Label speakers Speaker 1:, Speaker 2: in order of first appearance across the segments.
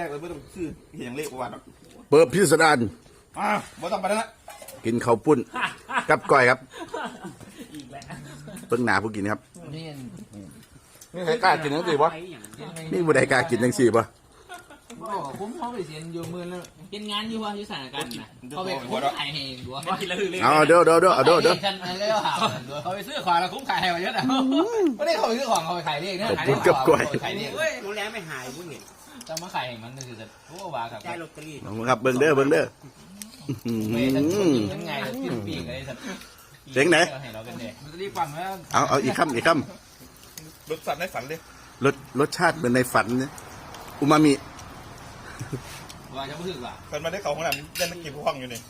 Speaker 1: กเลยไม่ต้องซื้อเหียงเล็กกว่า
Speaker 2: เปิดพิสดาร
Speaker 1: ไม่ต้องไปแล้วนะ
Speaker 2: กินข้าวปุ้นกับก้อยครับ
Speaker 3: อีกแล้ว
Speaker 2: เพิ่งหนาผู้กินครับ
Speaker 4: นี่
Speaker 2: นี่ใครกล้ากินจังสิวะนี่ผู้ใดกล้ากินจังสิวะ
Speaker 4: ผมเขาไปเสียนอยู่มือแล้วเป็นงานอยู่ว่าอยู่สถานการณ์นะเขาไปคุ้มขายเองด้วย
Speaker 3: ไม่กินแล้วคือเลย
Speaker 2: เอาเด้อ
Speaker 4: ฉันอะไรก็เขาไปซื้อของแล้วคุ้มขายให้มาเยอะนะไม่ได้เขาไปซื้อของเขาไปขายเองเนี่ยขายเองขายเอง
Speaker 3: เฮ้ยรู้แล้วไม่หายมึงเห็น
Speaker 4: จะมาขายเองมันคือจะรู้ว่าครับ
Speaker 3: ได้ลอตเตอรี่
Speaker 2: เอาครับเบิ่งเด้อ
Speaker 4: ไม่ฉันยังไงที่ปีกอะไรสัตว์ให้เรากันเด็กมันจะรีบฟังแล้ว
Speaker 2: เอาอีกคำ
Speaker 1: รถสั่นในฝันเลย
Speaker 2: รสชาติเหมือนในฝันอูมามิ
Speaker 4: ว่าจะพูดว่า
Speaker 1: คนมาได้เขาของเราเล่นนักกีฬาห้องอยู่นี่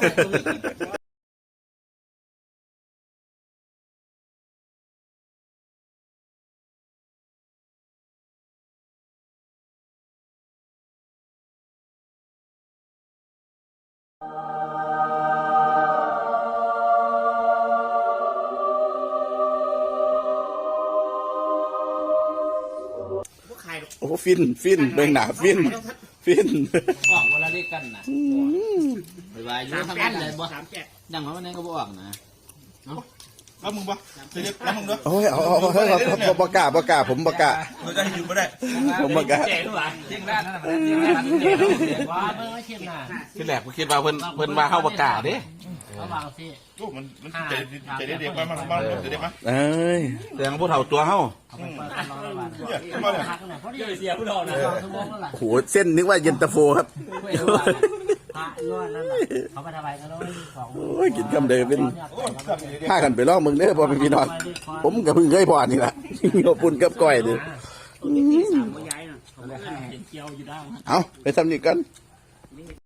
Speaker 3: พวกใคร
Speaker 2: โอ้ฟินเบิ่งหนาฟิน
Speaker 4: ออกเวลาเรียกกันนะไปว่าอยู่ทำงานเลยบ่ดังว่าวันนั้นก็บ่ออกนะ
Speaker 1: แล้วมึงปะจะเรียกแล้วมึงด้วย
Speaker 2: โอ้ยเอาบกล้าผมบกล้า
Speaker 1: เราจะให้ยืมไม่ได้
Speaker 2: ผมบกล้า
Speaker 3: เจ๋งหรอ
Speaker 4: เที่ยงด้านนั่นเที่ยงด้านว่าเมื่อเที่ยงหน้า
Speaker 5: ที่แรกผมคิดว่าเพิ่นว่าเข้าประกาศเด้
Speaker 4: ระวังสิ
Speaker 1: โอ้มันใจเด็กมาใจเด็กมา
Speaker 2: เอ้ย
Speaker 5: แสดงผู้เฒ่าตัวเฮา
Speaker 4: เอาไปเปิดกันรอระวัง
Speaker 1: เนี่ยขึ้นมาเลย
Speaker 4: พักหน่อยเพราะ
Speaker 3: เดี๋ยวเสียผู้ดอกนะ
Speaker 4: ชั่วโมงแล้วล่ะ
Speaker 2: โหเส้นนึกว่าเย็นตาโฟครับ
Speaker 4: พระนวดนั่นแหละเขาไปทำไมกันแล้วสอง
Speaker 2: โอ้ยกินคำเดิมเป็นผ้ากันไปลองมึงเด้อพอเป็นพี่น้องผมกับเพิ่งเคยพอนี่แหละขอบคุณกับก้อยเด้อ
Speaker 3: ตัวที่สามก็ย้ายน่ะเห็นเกียวอยู่ด้าน
Speaker 2: เอาไปทำนี่กัน